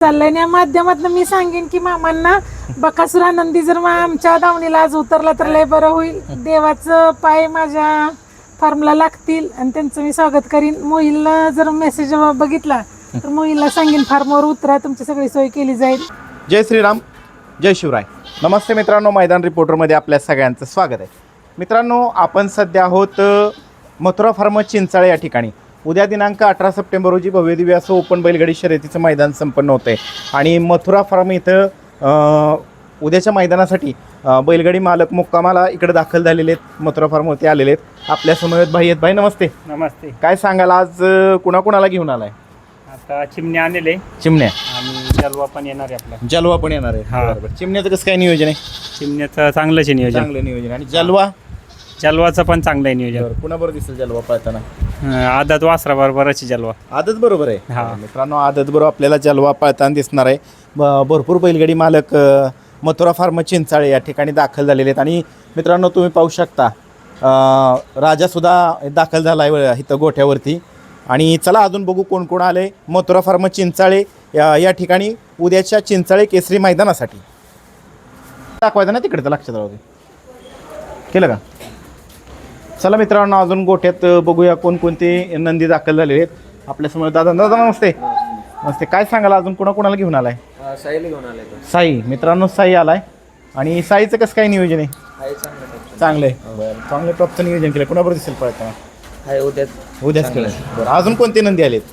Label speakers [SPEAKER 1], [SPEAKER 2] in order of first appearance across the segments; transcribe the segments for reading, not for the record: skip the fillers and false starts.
[SPEAKER 1] चाललंय या माध्यमातून मी सांगेन की मामांना बकासूर आनंदी जर आमच्या दावणीला आज उतरला तर लय बरं होईल. देवाचं पाय माझ्या फार्मला लागतील आणि त्यांचं मी स्वागत करीन. मोहिलला जर मेसेज बघितला तर मोहिलला सांगेन फार्मवर उतरा, तुमची सगळी सोय केली जाईल.
[SPEAKER 2] जय श्रीराम, जय शिवराय. नमस्ते मित्रांनो, मैदान रिपोर्टरमध्ये आपल्या सगळ्यांचं स्वागत आहे. मित्रांनो, आपण सध्या आहोत मथुरा फार्म चिंचाळे या ठिकाणी. उद्या दिनांक 18 सप्टेंबर रोजी भव्यदिव्य असं ओपन बैलगाडी शर्यतीचं मैदान संपन्न होतं आहे आणि मथुरा फार्म इथं उद्याच्या मैदानासाठी बैलगाडी मालक मुक्कामाला इकडे दाखल झालेले आहेत. मथुरा फार्मवरती आलेले आहेत. आपल्यासमोर आहेत भाई. आहेत भाई, नमस्ते.
[SPEAKER 3] नमस्ते.
[SPEAKER 2] काय सांगाल आज कुणाकुणाला घेऊन आलाय?
[SPEAKER 3] आता चिमण्या आणले,
[SPEAKER 2] चिमण्या
[SPEAKER 3] आणि जलवा पण येणार आहे आपला.
[SPEAKER 2] जलवा पण येणार आहे.
[SPEAKER 3] हा.
[SPEAKER 2] बरोबर. चिमण्याचं कसं काय नियोजन आहे?
[SPEAKER 3] चिमण्याचं चांगलंच आहे नियोजन.
[SPEAKER 2] चांगलं नियोजन. आणि जलवा
[SPEAKER 3] जलवाचं पण चांगलं आहे नियोजन.
[SPEAKER 2] कुणाबरोबर दिसेल जलवा पळताना?
[SPEAKER 3] आदत वासरा बरोबरच जलवा.
[SPEAKER 2] आदत बरोबर आहे.
[SPEAKER 3] हा.
[SPEAKER 2] मित्रांनो, आदत बरोबर आपल्याला जलवा पळताना दिसणार आहे. भरपूर बैलगाडी मालक मथुरा फार्म चिंचाळे या ठिकाणी दाखल झालेले आहेत. आणि मित्रांनो, तुम्ही पाहू शकता राजासुद्धा दाखल झाला आहे इथं गोठ्यावरती. आणि चला अजून बघू कोण कोण आले मथुरा फार्म चिंचाळे या ठिकाणी उद्याच्या चिंचाळे केसरी मैदानासाठी. दाखवायचं ना तिकडचं, लक्षात राहू दे. केलं का? चला मित्रांनो, अजून गोठ्यात बघूया कोणकोणते नंदी दाखल झालेले आहेत. आपल्यासमोर दादा. दादा नमस्ते. नमस्ते. काय सांगाल अजून कोणाकोणाला घेऊन आलाय?
[SPEAKER 4] साईला घेऊन आलाय.
[SPEAKER 2] साई. मित्रांनो, साई आलाय. आणि साईचं कसं काय नियोजन आहे? चांगलं आहे. बरं, चांगलं टॉपचं नियोजन केलं. कोणाबरोबर दिसेल पळताना? उद्याच केलं. बरं, अजून कोणते नंदी आलेत?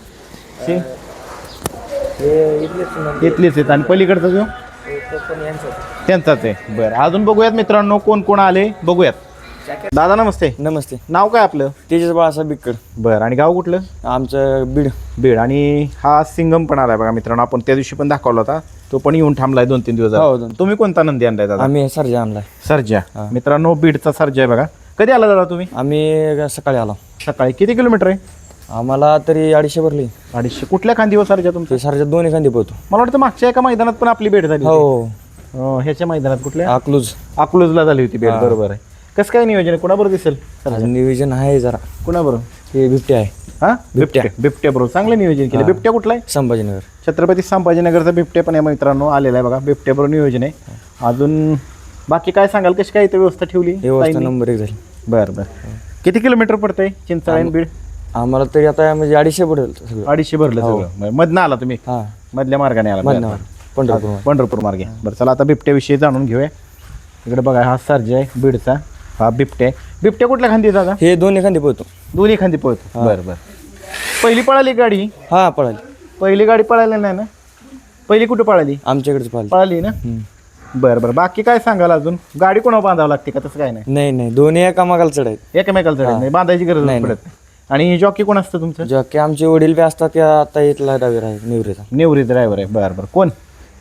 [SPEAKER 2] इथलेच आहेत. आणि पलीकडचा जो त्यांचाच आहे. बरं, अजून बघूयात मित्रांनो कोण कोण आले बघूयात. दादा नमस्ते.
[SPEAKER 4] नमस्ते.
[SPEAKER 2] नाव काय आपलं?
[SPEAKER 4] तेजस बाळासाहेब बिक्कर.
[SPEAKER 2] बरं, आणि गाव कुठलं?
[SPEAKER 4] आमचं बीड.
[SPEAKER 2] बीड. आणि हा सिंगम पण आलाय बघा मित्रांनो. आपण त्या दिवशी पण दाखवला होता. तो पण येऊन थांबलाय 2-3 दिवस
[SPEAKER 4] हो,
[SPEAKER 2] झाले. तुम्ही कोणता नंदी आणलाय दादा?
[SPEAKER 4] आम्ही सर्जा आणलाय.
[SPEAKER 2] सर्जा. मित्रांनो, बीडचा सर्जा आहे बघा. कधी आला दादा तुम्ही?
[SPEAKER 4] आम्ही सकाळी आलो.
[SPEAKER 2] सकाळी. किती किलोमीटर आहे?
[SPEAKER 4] आम्हाला तरी 250 भरली.
[SPEAKER 2] 250. कुठल्या खांदीवर सर्जा तुमचं?
[SPEAKER 4] ते सर्जा दोन्ही खांदी पोहतो.
[SPEAKER 2] मला वाटतं मागच्या एका मैदानात पण आपली भेट झाली होती.
[SPEAKER 4] हो,
[SPEAKER 2] ह्याच्या मैदानात कुठल्या?
[SPEAKER 4] अकलूज.
[SPEAKER 2] अकलूजला झाली होती भेट. बरोबर आहे. कसं काय नियोजन आहे? कोणाबरोबर दिसेल?
[SPEAKER 4] नियोजन आहे जरा.
[SPEAKER 2] कोणाबरोबर?
[SPEAKER 4] हे बिबटे आहे.
[SPEAKER 2] हा, बिबट्या बरोबर चांगलं नियोजन केलं. बिबट्या कुठला आहे?
[SPEAKER 4] संभाजीनगर.
[SPEAKER 2] छत्रपती संभाजीनगरचा बिबट्या पण आहे मित्रांनो, आलेला आहे बघा. बिबट्या बरोबर नियोजन आहे. अजून बाकी काय सांगाल? कशी काय इथं व्यवस्था ठेवली?
[SPEAKER 4] व्यवस्था नंबर 1 झाली.
[SPEAKER 2] बरं बरं. किती किलोमीटर पडतंय चिंचाळे आणि बीड?
[SPEAKER 4] आम्हाला तरी आता म्हणजे 250 पडेल सगळं.
[SPEAKER 2] 250 भरलं सगळं. मधनं आला तुम्ही?
[SPEAKER 4] हा,
[SPEAKER 2] मधल्या मार्गाने आला?
[SPEAKER 4] मधनं. पंढरपूर.
[SPEAKER 2] पंढरपूर मार्गे. बरं, चला आता बिबट्याविषयी जाणून घेऊया. इकडे बघा, हा सर्जा आहे बीडचा. हा बिबट्या. बिबट्या कुठल्या खांदी दादा?
[SPEAKER 4] हे दोन्ही खांदी पोहतो.
[SPEAKER 2] दोन्ही खांदी पळतो. बरं बरं. पहिली पळाली गाडी?
[SPEAKER 4] हा, पळाली.
[SPEAKER 2] पहिली गाडी पळाली नाही ना? पहिली कुठं पळाली?
[SPEAKER 4] आमच्याकडेच पळाली.
[SPEAKER 2] पळाली ना? बरं बरं. बाकी काय सांगाल अजून? गाडी कोणावर बांधावं लागते का? तसं काय नाही?
[SPEAKER 4] नाही, दोन्ही एकामागाला चढायत.
[SPEAKER 2] एकमेकाला चढत नाही, बांधायची गरज
[SPEAKER 4] नाही,
[SPEAKER 2] पडत नाही. आणि जॉकी कोण असतं तुमचं?
[SPEAKER 4] जॉकी आमचे वडील बी असतात. त्या आता इथला ड्रायव्हर आहे निवृत्त.
[SPEAKER 2] नेवरी ड्रायव्हर आहे. बरं बरं. कोण?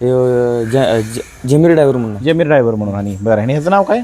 [SPEAKER 4] जमीर ड्रायव्हर म्हणून.
[SPEAKER 2] जमीर ड्रायव्हर म्हणून. आणि बरं, आणि ह्याचं नाव काय?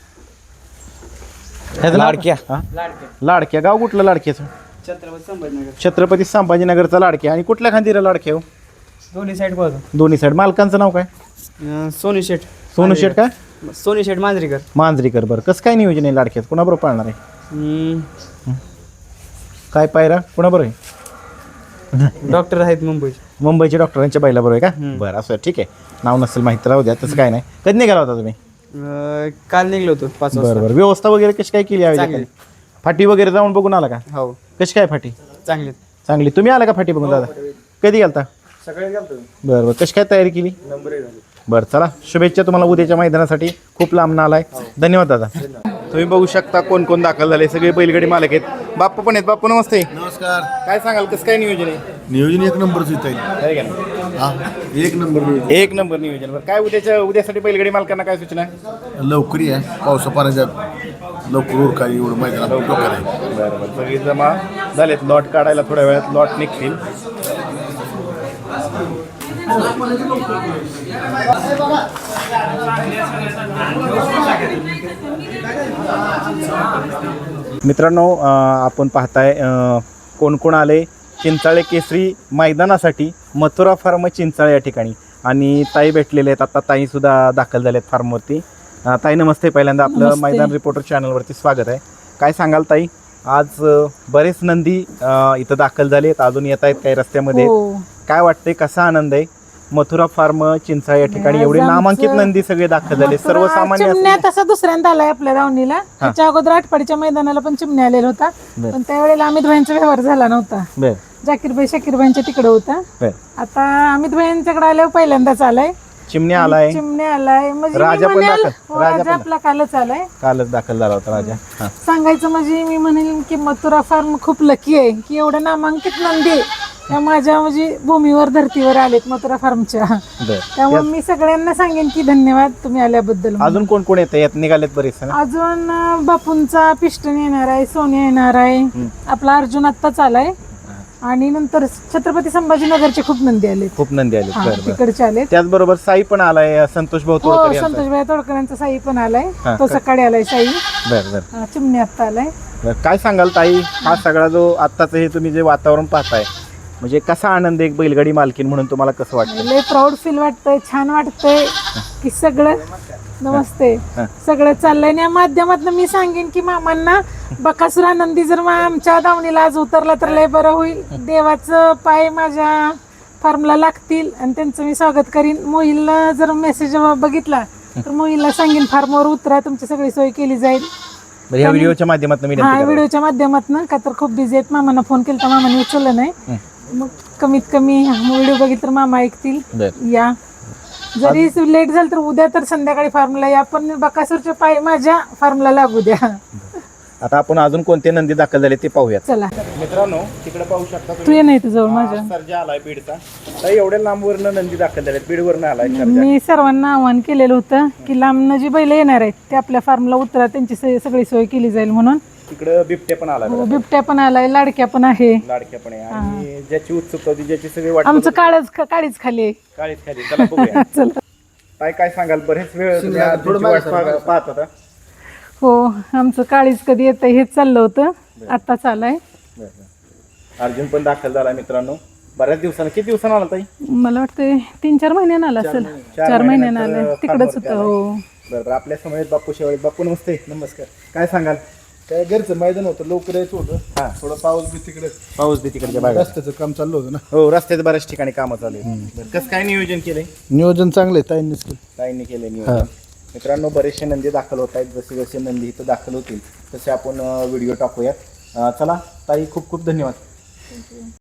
[SPEAKER 2] ह्याचं नाव?
[SPEAKER 4] लाडक्या.
[SPEAKER 2] लाडक्या. गाव कुठलं लाडक्याचं? छत्रपती संभाजीनगरचा लाडक्या. आणि कुठल्या खांदीला लाडक्या? हो,
[SPEAKER 5] दोन्ही साईड बघ.
[SPEAKER 2] दोन्ही साईड. मालकांचं नाव काय?
[SPEAKER 5] सोनी शेठ.
[SPEAKER 2] सोनू शेठ काय?
[SPEAKER 5] सोनी शेठ मांजरीकर.
[SPEAKER 2] मांजरीकर. बरं, कसं काय नियोजन आहे लाडक्याचं? कोणाबरोबर पाळणार आहे? काय पायरा कोणाबरोबर आहे?
[SPEAKER 5] डॉक्टर आहेत
[SPEAKER 2] मुंबईचे डॉक्टरांच्या बैलाबरोबर आहे का? बरं, असं ठीक आहे. नाव नसेल माहिती राहू द्या, तसं काय नाही. कधी निघाला होता तुम्ही?
[SPEAKER 5] काल निघलो होतो 5 वाजता.
[SPEAKER 2] बरं बरं. व्यवस्था वगैरे कशी काय केली?
[SPEAKER 5] चांगली.
[SPEAKER 2] फाटी वगैरे जाऊन बघून आला का?
[SPEAKER 5] हो,
[SPEAKER 2] कशी काय फाटी?
[SPEAKER 5] चांगली.
[SPEAKER 2] चांगली. तुम्ही आला का फाटी बघून दादा? कधी गेलता?
[SPEAKER 5] सकाळी गेलतो.
[SPEAKER 2] बरं बरं. कशी काय तयारी केली?
[SPEAKER 5] नंबर 1 झाली.
[SPEAKER 2] बरं, चला शुभेच्छा तुम्हाला उद्याच्या मैदानासाठी. खूप लांब आलाय. धन्यवाद दादा. तुम्ही बघू शकता कोण कोण दाखल झाले. सगळे बैलगाडी मालक आहेत. बाप्पा पण आहेत. बाप्पा नमस्ते.
[SPEAKER 6] नमस्कार.
[SPEAKER 2] काय सांगाल? कसं काय नियोजन आहे?
[SPEAKER 6] नियोजन 1 नंबरच येत
[SPEAKER 2] आहे का नाही?
[SPEAKER 6] हा, 1 नंबर नियोजन.
[SPEAKER 2] 1 नंबर नियोजन. बरं, काय उद्यासाठी बैलगाडी मालकांना काय सूचना आहे?
[SPEAKER 6] लवकरी आहे. पावसा पाण्याच्यात लवकर उरकाय एवढं मैदानात लवकर आहे.
[SPEAKER 2] बरं बरं. सगळी जमा झालेत. लॉट काढायला थोड्या वेळात लॉट निघतील. मित्रांनो, आपण पाहताय कोण कोण आले चिंचाळे केसरी मैदानासाठी मथुरा फार्म चिंचाळे या ठिकाणी. आणि ताई भेटलेले आहेत. आता ताईसुद्धा दाखल झाले आहेत फार्मवरती. ताई नमस्ते. पहिल्यांदा आपलं मैदान रिपोर्टर चॅनलवरती स्वागत आहे. काय सांगाल ताई? आज बरेच नंदी इथं दाखल झाले आहेत, अजून येत आहेत काही रस्त्यामध्ये. काय वाटतंय? कसा आनंद आहे? मथुरा फार्म चिंचाळे या ठिकाणी एवढे
[SPEAKER 1] आज
[SPEAKER 2] नामांकित
[SPEAKER 1] आमचं
[SPEAKER 2] नंदी सगळे दाखल झाले
[SPEAKER 1] मथुरा
[SPEAKER 2] सर्वसामान्य
[SPEAKER 1] चिमण्या तसा दुसऱ्यांदा आलाय आपल्या दावणीला त्याच्या अगोदर आठपाडीच्या मैदानाला पण चिमण्या आलेला होता
[SPEAKER 2] बर.
[SPEAKER 1] पण त्यावेळेला अमित भाईंचा व्यवहार झाला नव्हता
[SPEAKER 2] बर
[SPEAKER 1] जाकीरभाई शाकीरभाईंच्या तिकडे होता
[SPEAKER 2] बर
[SPEAKER 1] आता अमित भाईंच्याकडे आल्यावर पहिल्यांदाच आलाय
[SPEAKER 2] चिमण्या आलाय
[SPEAKER 1] चिमण्या आलाय म्हणजे मी
[SPEAKER 2] राजा पण
[SPEAKER 1] म्हणेल,
[SPEAKER 2] दाखल-
[SPEAKER 1] हो,
[SPEAKER 2] राजा
[SPEAKER 1] राजा
[SPEAKER 2] पण
[SPEAKER 1] आपला कालच आलाय
[SPEAKER 2] कालच दाखल झाला होता राजा हा
[SPEAKER 1] सांगायचं म्हणजे मी म्हणेल की मथुरा फार्म खूप लकी आहे की एवढं नामांकित नंदी त्या माझ्या म्हणजे भूमीवर धर्तीवर आलेत मथुरा फार्मच्या
[SPEAKER 2] बर
[SPEAKER 1] त्यामुळे मी सगळ्यांना सांगेन की धन्यवाद तुम्ही आल्याबद्दल
[SPEAKER 2] अजून कोण कोण येतं यात निघालेत बरेच ना
[SPEAKER 1] अजून बापूंचा पिस्टन येणार आहे सोन्या येणार आहे आपला अर्जुन आत्ताच आलाय आणि नंतर छत्रपती संभाजीनगरचे खूप नंदी आलेत
[SPEAKER 2] खूप नंदी आलेत
[SPEAKER 1] हा,
[SPEAKER 2] बर बर
[SPEAKER 1] तिकडचे आलेत
[SPEAKER 2] त्याचबरोबर साई पण आलाय संतोष भाऊ
[SPEAKER 1] हो
[SPEAKER 2] तोडकर यांचा.
[SPEAKER 1] संतोषभाई तोडकरांचा साई पण आलाय
[SPEAKER 2] हा,
[SPEAKER 1] तो सकाळी आलाय साई
[SPEAKER 2] बर बर
[SPEAKER 1] चिमणी आत्ता आलाय
[SPEAKER 2] बर काय सांगाल ताई हा सगळा जो आत्ताचं हे तुम्ही जे वातावरण पाहताय म्हणजे कसा आनंद आहे एक बैलगाडी मालकीन म्हणून तुम्हाला कसं वाटतं
[SPEAKER 1] लय प्राऊड फील वाटतंय छान वाटतंय की सगळं नमस्ते सगळं चाललंय आणि या माध्यमातून मी सांगेन की मामांना बकासूर आनंदी जर आमच्या दावणीला आज उतरला तर लय बरं होईल देवाचं पाय माझ्या फार्मला लागतील आणि त्यांचं मी स्वागत करीन मोहिलला जर मेसेज बघितला तर मोहिलला सांगेन फार्मवर उतरा तुमची सगळी सोय केली जाईल
[SPEAKER 2] बरं, या व्हिडिओच्या माध्यमातून मी
[SPEAKER 1] हा व्हिडिओच्या माध्यमातून का तर खूप बिझी आहेत मामांना फोन केला तर मामाने उचललं नाही मग कमीत कमी व्हिडिओ बघितलं तर मामा ऐकतील या जरी लेट झालं तर उद्या तर संध्याकाळी फार्मला या पण बकासूरचे पाय माझ्या फार्मला लागू द्या
[SPEAKER 2] आता आपण अजून कोणते नंदी दाखल झाले ते पाहूयात
[SPEAKER 1] चला
[SPEAKER 2] मित्रांनो तिकडे पाहू शकता
[SPEAKER 1] तू ये नाही तुझं माझ्या
[SPEAKER 2] सर्जा आलाय बीडचा ताई एवढ्या लांबवरनं नंदी दाखल झाले बीडवरनं आलाय सर्जा
[SPEAKER 1] मी सर्वांना आवाहन केलेलं होतं की लांबनं जी बैल येणार आहेत ते आपल्या फार्मला उतरा त्यांची सगळी सोय केली जाईल म्हणून
[SPEAKER 2] तिकडं बिबटे पण आलाय
[SPEAKER 1] हो, बिबट्या पण आलाय लाडक्या पण आहे
[SPEAKER 2] लाडक्या पण आहे आणि ज्याची उत्सुकता होती ज्याची सगळी वाट
[SPEAKER 1] आमचं काळीच खाली आहे.
[SPEAKER 2] काळीच खाली चला बघूया
[SPEAKER 1] चला
[SPEAKER 2] ताई काय सांगाल बरेच वेळ तुम्ही आज त्यांची वाट पाहत होता
[SPEAKER 1] हो आमचं काळीच कधी येतं हेच चाललं होतं आता चालाय
[SPEAKER 2] अर्जुन पण दाखल झाला मित्रांनो बऱ्याच दिवसानं किती दिवसानं आला ताई
[SPEAKER 1] मला वाटतं 3-4 महिन्यानं आला असेल 4 महिन्यानं आलं तिकडच होतं हो
[SPEAKER 2] बरं आपल्या समोर बापू शेवाळे बापू नमस्ते नमस्कार काय सांगाल
[SPEAKER 6] काय घरचं मैदान होतं लवकर यायचं होतं
[SPEAKER 2] हा
[SPEAKER 6] थोडं पाऊस बी तिकडे
[SPEAKER 2] पाऊस बी तिकडच्या भागात
[SPEAKER 6] रस्त्याचं काम चाललं होतं ना
[SPEAKER 2] हो रस्त्यात बऱ्याच ठिकाणी कामं चालू आहेत कसं काय नियोजन केलंय
[SPEAKER 6] नियोजन चांगलं आहे ताईंनीच केलं.
[SPEAKER 2] ताईंनी केलंय नियोजन मित्रांनो बरेचसे नंदी दाखल होत आहेत जसे जसे नंदी इथं दाखल होतील तसे आपण व्हिडिओ टाकूयात चला ताई खूप खूप धन्यवाद